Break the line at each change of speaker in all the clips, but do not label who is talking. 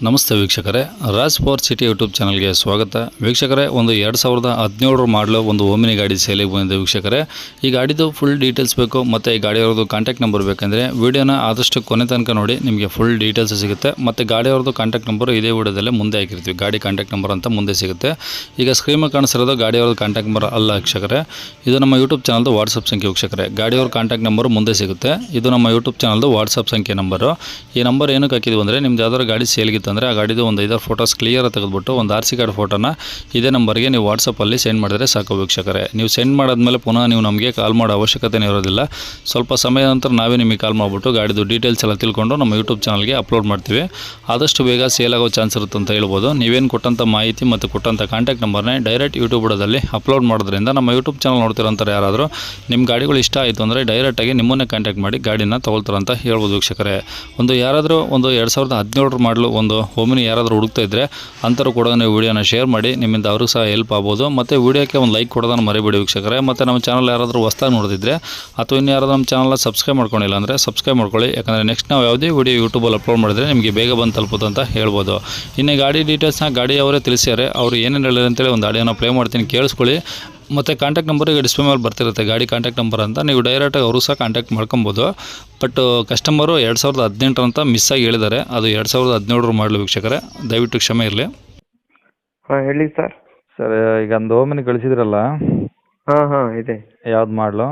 ನಮಸ್ತೆ ವೀಕ್ಷಕರೇ, Raj power city YouTube ಚಾನಲ್ಗೆ ಸ್ವಾಗತ. ವೀಕ್ಷಕರೇ, ಒಂದು 2017 ಮಾಡಲು ಒಂದು ಓಮಿನಿ ಗಾಡಿ ಸೇಲಿಗೆ ಬಂದಿದೆ ವೀಕ್ಷಕರೇ. ಈ ಗಾಡಿದು ಫುಲ್ ಡೀಟೇಲ್ಸ್ ಬೇಕು ಮತ್ತು ಈ ಗಾಡಿಯವ್ರದ್ದು ಕಾಂಟ್ಯಾಕ್ಟ್ ನಂಬರ್ ಬೇಕಂದರೆ ವಿಡಿಯೋನ ಆದಷ್ಟು ಕೊನೆ ತನಕ ನೋಡಿ, ನಿಮಗೆ ಫುಲ್ ಡೀಟೇಲ್ಸ್ ಸಿಗುತ್ತೆ. ಮತ್ತು ಗಾಡಿಯವ್ರದ್ದು ಕಾಂಟ್ಯಾಕ್ಟ್ ನಂಬರ್ ಇದೇ ವಿಡಿಯೋದಲ್ಲೇ ಮುಂದೆ ಹಾಕಿರ್ತೀವಿ, ಗಾಡಿ ಕಾಂಟ್ಯಾಕ್ಟ್ ನಂಬರ್ ಅಂತ ಮುಂದೆ ಸಿಗುತ್ತೆ. ಈಗ ಸ್ಕ್ರೀನ್ ಮೇಲೆ ಕಾಣಿಸಿರೋದು ಗಾಡಿಯವ್ರದ್ದು ಕಾಂಟ್ಯಾಕ್ಟ್ ನಂಬರ್ ಅಲ್ಲ ವೀಕ್ಷಕರೇ, ಇದು ನಮ್ಮ ಯೂಟ್ಯೂಬ್ ಚಾನಲ್ದು ವಾಟ್ಸಪ್ ಸಂಖ್ಯೆ ವೀಕ್ಷಕರೇ. ಗಾಡಿಯವ್ರ ಕಾಂಟ್ಯಾಕ್ಟ್ ನಂಬರ್ ಮುಂದೆ ಸಿಗುತ್ತೆ, ಇದು ನಮ್ಮ ಯೂಟ್ಯೂಬ್ ಚಾನಲ್ದು ವಾಟ್ಸಪ್ ಸಂಖ್ಯೆ ನಂಬರು. ಈ ನಂಬರ್ ಏನಕ್ಕೆ ಹಾಕಿದ್ವಿ ಅಂದರೆ, ನಿಮ್ದು ಯಾವ್ದಾದ್ರು ಗಾಡಿ ಸೇಲ್ಗಿತ್ತು ಅಂದರೆ ಆ ಗಾಡಿದು ಒಂದು 5 ಫೋಟೋಸ್ ಕ್ಲಿಯರ್ ತೆಗೆದುಬಿಟ್ಟು ಒಂದು RC ಕಾರ್ಡ್ ಫೋಟೋನ ಇದೇ ನಂಬರ್ಗೆ ನೀವು ವಾಟ್ಸಪ್ಪಲ್ಲಿ ಸೆಂಡ್ ಮಾಡಿದರೆ ಸಾಕು ವೀಕ್ಷಕರೇ. ನೀವು ಸೆಂಡ್ ಮಾಡಾದ್ಮೇಲೆ ಪುನಃ ನೀವು ನಮಗೆ ಕಾಲ್ ಮಾಡೋ ಅವಶ್ಯಕತೆನೇ ಇರೋದಿಲ್ಲ. ಸ್ವಲ್ಪ ಸಮಯದ ನಂತರ ನಾವೇ ನಿಮಗೆ ಕಾಲ್ ಮಾಡಿಬಿಟ್ಟು ಗಾಡಿದು ಡೀಟೇಲ್ಸ್ ಎಲ್ಲ ತಿಳ್ಕೊಂಡು ನಮ್ಮ ಯೂಟ್ಯೂಬ್ ಚಾನಲ್ಗೆ ಅಪ್ಲೋಡ್ ಮಾಡ್ತೀವಿ. ಆದಷ್ಟು ಬೇಗ ಸೇಲ್ ಆಗೋ ಚಾನ್ಸ್ ಇರುತ್ತೆ ಅಂತ ಹೇಳ್ಬೋದು. ನೀವೇನು ಕೊಟ್ಟಂಥ ಮಾಹಿತಿ ಮತ್ತು ಕೊಟ್ಟಂಥ ಕಾಂಟ್ಯಾಕ್ಟ್ ನಂಬರ್ನೇ ಡೈರೆಕ್ಟ್ ಯೂಟ್ಯೂಬ್ ಬುಡದಲ್ಲಿ ಅಪ್ಲೋಡ್ ಮಾಡೋದ್ರಿಂದ ನಮ್ಮ ಯೂಟ್ಯೂಬ್ ಚಾನಲ್ ನೋಡ್ತಿರೋಂಥವ್ರು ಯಾರಾದರೂ ನಿಮ್ಮ ಗಾಡಿಗಳು ಇಷ್ಟ ಆಯಿತು ಅಂದರೆ ಡೈರೆಕ್ಟಾಗಿ ನಿಮ್ಮನ್ನೇ ಕಾಂಟ್ಯಾಕ್ಟ್ ಮಾಡಿ ಗಾಡಿನ ತೊಗೊಳ್ತಾರಂತ ಹೇಳ್ಬೋದು ವೀಕ್ಷಕರೇ. ಯಾರಾದರೂ ಒಂದು 2017 ಮಾಡಲು ಒಂದು ಓಮಿನಿ ಯಾರಾದರೂ ಹುಡುಕ್ತಾ ಇದ್ದರೆ ಅಂಥವ್ರು ಕೂಡ ನೀವು ವೀಡಿಯೋನ ಶೇರ್ ಮಾಡಿ, ನಿಮ್ಮಿಂದ ಅವ್ರಿಗೂ ಸಹ ಹೆಲ್ಪ್ ಆಗ್ಬೋದು. ಮತ್ತು ವೀಡಿಯೋಕ್ಕೆ ಒಂದು ಲೈಕ್ ಕೊಡೋದನ್ನು ಮರಿಬೇಡಿ ವೀಕ್ಷಕರೇ. ಮತ್ತು ನಮ್ಮ ಚಾನಲ್ ಯಾರಾದರೂ ಹೊಸ್ದಾಗಿ ನೋಡಿದ್ರೆ ಅಥವಾ ಇನ್ನು ಯಾರಾದರೂ ನಮ್ಮ ಚಾನಲ್ನ ಸಬ್ಸ್ಕ್ರೈಬ್ ಮಾಡ್ಕೊಂಡಿಲ್ಲ ಅಂದರೆ ಸಬ್ಸ್ಕ್ರೈಬ್ ಮಾಡ್ಕೊಳ್ಳಿ. ಯಾಕಂದರೆ ನೆಕ್ಸ್ಟ್ ನಾವು ಯಾವುದೇ ವೀಡಿಯೋ ಯೂಟ್ಯೂಬಲ್ಲಿ ಅಪ್ಲೋಡ್ ಮಾಡಿದರೆ ನಿಮಗೆ ಬೇಗ ಬಂದು ತಲುಪುತ್ತೆ ಅಂತ ಹೇಳ್ಬೋದು. ಇನ್ನು ಗಾಡಿ ಡೀಟೇಲ್ಸ್ನ ಗಾಡಿಯವರೇ ತಿಳಿಸ್ಯಾರೆ, ಅವರು ಏನೇನು ಹೇಳಿದ್ರು ಅಂತೇಳಿ ಒಂದು ಆಡಿಯೋನ ಪ್ಲೇ ಮಾಡ್ತೀನಿ, ಕೇಳಿಸ್ಕೊಳ್ಳಿ. ಮತ್ತು ಕಾಂಟ್ಯಾಕ್ಟ್ ನಂಬರ್ ಈಗ ಡಿಸ್ಪ್ಲೇ ಮೇಲೆ ಬರ್ತಿರುತ್ತೆ, ಗಾಡಿ ಕಾಂಟ್ಯಾಕ್ಟ್ ನಂಬರ್ ಅಂತ. ನೀವು ಡೈರೆಕ್ಟಾಗಿ ಅವರು ಸಹ ಕಾಂಟ್ಯಾಕ್ಟ್ ಮಾಡ್ಕೊಬೋದು. ಬಟ್ ಕಸ್ಟಮರು 2018 ಅಂತ ಮಿಸ್ಸಾಗಿ ಹೇಳಿದ್ದಾರೆ, ಅದು 2017 ಮಾಡಲು ವೀಕ್ಷಕರೇ, ದಯವಿಟ್ಟು ಕ್ಷಮೆ ಇರಲಿ.
ಹಾಂ ಹೇಳಿ ಸರ್.
ಸರ್, ಈಗ ಒಂದು ಓಮಿನಿ ಕಳಿಸಿದ್ರಲ್ಲ,
ಹಾಂ ಇದೆ.
ಯಾವ್ದು ಮಾಡಲು?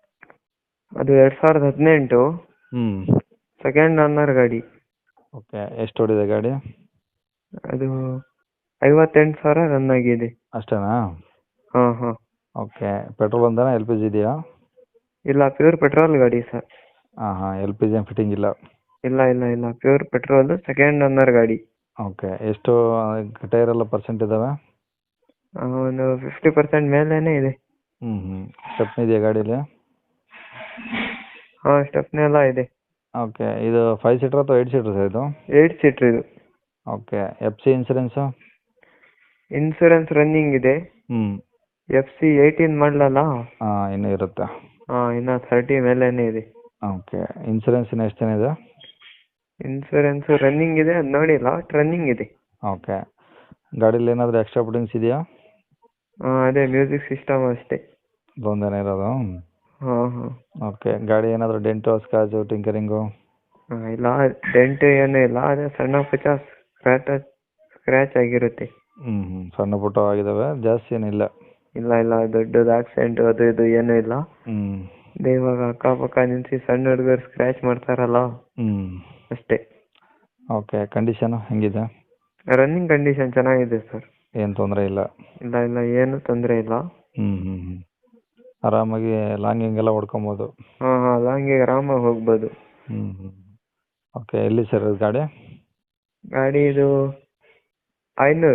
ಅದು 2018 ಸೆಕೆಂಡ್ ಓನರ್ ಗಾಡಿ.
ಓಕೆ, ಎಷ್ಟು ಓಡಿದೆ ಗಾಡಿ?
ಅದು 58,000 ರನ್ ಆಗಿದೆ.
ಅಷ್ಟೇನಾ?
ಹಾಂ
ಓಕೆ, ಪೆಟ್ರೋಲ್ ಒಂದೇನಾ, LPG ಇದೆಯಾ?
ಇಲ್ಲ, ಪ್ಯೂರ್ ಪೆಟ್ರೋಲ್ ಗಾಡಿ ಸರ್.
ಹಾಂ, LPG ಏನು ಫಿಟ್ಟಿಂಗ್ ಇಲ್ಲ?
ಇಲ್ಲ, ಪ್ಯೂರ್ ಪೆಟ್ರೋಲ್ ಸೆಕೆಂಡ್ ಓನರ್ ಗಾಡಿ.
ಓಕೆ, ಎಷ್ಟು ಟೈರ್ ಎಲ್ಲ ಪರ್ಸೆಂಟ್ ಇದ್ದಾವೆ?
ಒಂದು 50% ಮೇಲೇ ಇದೆ.
ಸ್ಟೆಪ್ನಿ ಇದೆಯಾ ಗಾಡೀಲಿ?
ಹಾಂ, ಸ್ಟೆಪ್ನಿ ಎಲ್ಲ ಇದೆ.
ಓಕೆ, ಇದು 5 ಸೀಟರ್ ಅಥವಾ 8 ಸೀಟರ್ ಸರ್ ಇದು?
8 ಸೀಟ್ರ್ ಇದು.
Okay, FC insurance?
Insurance running ಇದೆ. FC 18 ಮಾಡಲಲ್ಲ.
ಹಾಂ, ಇನ್ನೂ ಇರುತ್ತೆ.
ಇನ್ನು 30 ಮೇಲೇ ಇದೆ.
ಓಕೆ, ಇನ್ಸೂರೆನ್ಸ್ ಇನ್ನು ಎಷ್ಟು ಜನ ಇದೆ?
ಇನ್ಸೂರೆನ್ಸ್ ರನ್ನಿಂಗ್ ಇದೆ, ಅದು ನೋಡಿಲ್ಲ, ರನ್ನಿಂಗ್ ಇದೆ.
ಓಕೆ, ಗಾಡೀಲಿ ಏನಾದರೂ ಎಕ್ಸ್ಟ್ರಾ ಫಿಟ್ಟಿಂಗ್ಸ್ ಇದೆಯಾ?
ಅದೇ ಮ್ಯೂಸಿಕ್ ಸಿಸ್ಟಮ್ ಅಷ್ಟೇ.
ಒಂದೇನೇ ಇರೋದು?
ಹಾಂ.
ಓಕೆ, ಗಾಡಿ ಏನಾದರೂ ಡೆಂಟು, ಸ್ಕ್ರಾಚು, ಟಿಂಕರಿಂಗು?
ಇಲ್ಲ, ಡೆಂಟ್ ಏನೂ ಇಲ್ಲ, ಅದೇ ಸಣ್ಣ ಪುಟ್ಟ ಸ್ಕ್ರ್ಯಾಚ್ ಆಗಿರುತ್ತೆ.
ಸಣ್ಣ ಪುಟ್ಟ ಆಗಿದ್ದಾವೆ, ಜಾಸ್ತಿ ಏನಿಲ್ಲ?
ಇಲ್ಲ, ದೊಡ್ಡದು ಆಕ್ಸಿಡೆಂಟ್ ಅದು ಇದು ಏನೂ ಇಲ್ಲ. ಇವಾಗ ಅಕ್ಕಪಕ್ಕ ನಿಲ್ಸಿ ಸಣ್ಣ ಹುಡುಗರು ಸ್ಕ್ರ್ಯಾಚ್ ಮಾಡ್ತಾರಲ್ಲ, ಅಷ್ಟೇ.
ಓಕೆ, ಕಂಡೀಷನು ಹೆಂಗಿದೆ?
ರನ್ನಿಂಗ್ ಕಂಡೀಷನ್ ಚೆನ್ನಾಗಿದೆ ಸರ್.
ಏನು ತೊಂದರೆ ಇಲ್ಲ?
ಇಲ್ಲ, ಏನು ತೊಂದರೆ ಇಲ್ಲ.
ಆರಾಮಾಗಿ ಲಾಂಗಿಂಗ್ ಎಲ್ಲ ಹೊಡ್ಕೊಬೋದು?
ಹಾಂ, ಲಾಂಗಿಗೆ ಆರಾಮಾಗಿ ಹೋಗ್ಬೋದು.
ಓಕೆ, ಎಲ್ಲಿ ಸರ್ ಇದು ಗಾಡಿ?
ಗಾಡಿ ಇದು 500.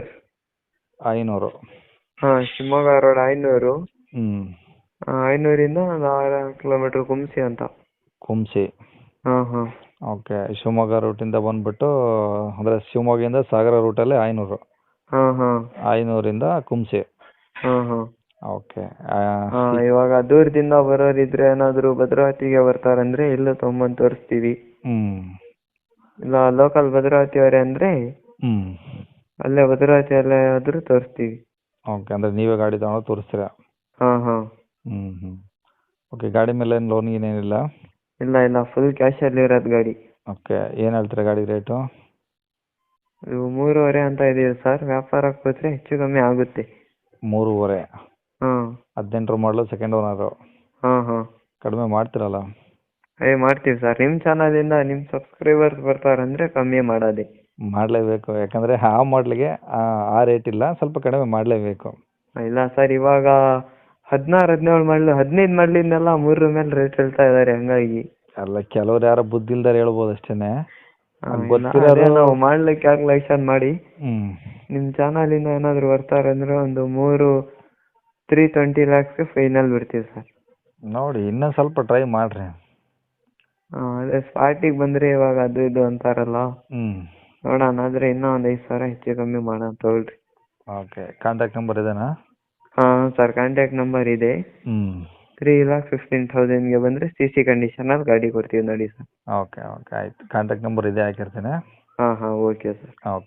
ಹಾಂ, ಶಿವಮೊಗ್ಗ ರೋಡ್ 500. 500ರಿಂದ ಒಂದು 6 ಕಿಲೋಮೀಟ್ರ್ ಕುಂಸಿ ಅಂತ.
ಕುಂಸಿ?
ಹಾಂ.
ಓಕೆ, ಶಿವಮೊಗ್ಗ ರೂಟಿಂದ ಬಂದುಬಿಟ್ಟು ಅಂದರೆ ಶಿವಮೊಗ್ಗದಿಂದ ಸಾಗರ ರೂಟಲ್ಲಿ 500?
ಹಾಂ.
500ರಿಂದ ಕುಂಸಿ?
ಹಾಂ.
ಓಕೆ.
ಇವಾಗ ದೂರದಿಂದ ಬರೋರಿದ್ರೆ ಏನಾದರೂ ಭದ್ರಾವತಿಗೆ ಬರ್ತಾರಂದ್ರೆ ಇಲ್ಲೂ ತೊಗೊಂಬಂದು ತೋರಿಸ್ತೀವಿ. ಇಲ್ಲ ಲೋಕಲ್ ಭದ್ರಾವತಿಯವರೇ ಅಂದರೆ ಅಲ್ಲೇ ಭದ್ರಾವತಿಯಲ್ಲೇ ಆದರೂ ತೋರಿಸ್ತೀವಿ.
ಓಕೆ, ಅಂದರೆ ನೀವೇ ಗಾಡಿ ತಗೊಂಡು ತೋರಿಸ್ತೀರಾ?
ಹಾಂ.
ಓಕೆ, ಗಾಡಿ ಮೇಲೆ ಏನು ಲೋನ್ ಏನಿಲ್ಲ?
ಇಲ್ಲ, ಫುಲ್ ಕ್ಯಾಶಲ್ಲಿ ಇರೋದು ಗಾಡಿ.
ಓಕೆ, ಏನು ಹೇಳ್ತೀರಾ ಗಾಡಿ ರೇಟು?
ಇದು 3.5 ಅಂತ ಇದೆಯಾ ಸರ್, ವ್ಯಾಪಾರಕ್ಕೆ ಹೋದರೆ ಹೆಚ್ಚು ಕಮ್ಮಿ ಆಗುತ್ತೆ.
3.5?
ಹಾಂ.
18 ಮಾಡಲು ಸೆಕೆಂಡ್ ಓನರು?
ಹಾಂ. ಕಡಿಮೆ
ಮಾಡ್ತೀರಲ್ಲ?
ಮಾಡ್ತೀವಿ ಸರ್, ನಿಮ್ಮ ಚಾನಲಿಂದ ನಿಮ್ಮ ಸಬ್ಸ್ಕ್ರೈಬರ್ಸ್ ಬರ್ತಾರಂದರೆ ಕಮ್ಮಿ ಮಾಡೋದೆ
ಮಾಡಲೇಬೇಕು. ಯಾಕಂದರೆ ಆ ಮಾಡಲಿಗೆ ಆ ರೇಟ್ ಇಲ್ಲ, ಸ್ವಲ್ಪ ಕಡಿಮೆ ಮಾಡಲೇಬೇಕು.
ಇಲ್ಲ ಸರ್, ಇವಾಗ 16, 17 ಮಾಡಲು 15 ಮಾಡಲಿಂದೆಲ್ಲ 3 ಮೇಲೆ ರೇಟ್ ಹೇಳ್ತಾ ಇದ್ದಾರೆ, ಹಂಗಾಗಿ.
ಅಲ್ಲ, ಕೆಲವ್ರು ಯಾರೋ ಬುದ್ಧಿ ಇಲ್ದಾರೆ ಹೇಳ್ಬೋದು ಅಷ್ಟೇನೆ.
ನಾವು ಮಾಡ್ಲಿಕ್ಕೆ ಕ್ಯಾಲ್ಕುಲೇಷನ್ ಮಾಡಿ ನಿಮ್ಮ ಚಾನಲಿಂದ ಏನಾದರೂ ಬರ್ತಾರೆ ಅಂದರೆ ಒಂದು 320 lakhs ಫೈನಲ್ ಬಿಡ್ತೀವಿ ಸರ್.
ನೋಡಿ, ಇನ್ನೂ ಸ್ವಲ್ಪ ಟ್ರೈ ಮಾಡಿರಿ.
ಅದೇ ಸ್ಪಾಟಿಗೆ ಬಂದರೆ ಇವಾಗ ಅದು ಇದು ಅಂತಾರಲ್ಲ, ನೋಡೋಣ. ಆದರೆ ಇನ್ನೂ ಒಂದು 5,000 ಹೆಚ್ಚು ಕಮ್ಮಿ ಮಾಡೋಣ ತೊಗೊಳ್ರಿ.
ಓಕೆ, ಕಾಂಟ್ಯಾಕ್ಟ್ ನಂಬರ್ ಇದೇನಾ?
ಹಾಂ ಸರ್, ಕಾಂಟ್ಯಾಕ್ಟ್ ನಂಬರ್ ಇದೆ. 3,15,000ಗೆ ಬಂದರೆ CC ಕಂಡೀಷನಲ್ಲಿ ಗಾಡಿ ಕೊಡ್ತೀವಿ ನೋಡಿ ಸರ್.
ಓಕೆ, ಆಯ್ತು. ಕಾಂಟ್ಯಾಕ್ಟ್ ನಂಬರ್ ಇದೆ, ಹಾಕಿರ್ತೀನಿ.
ಹಾಂ, ಓಕೆ ಸರ್.
ಓಕೆ.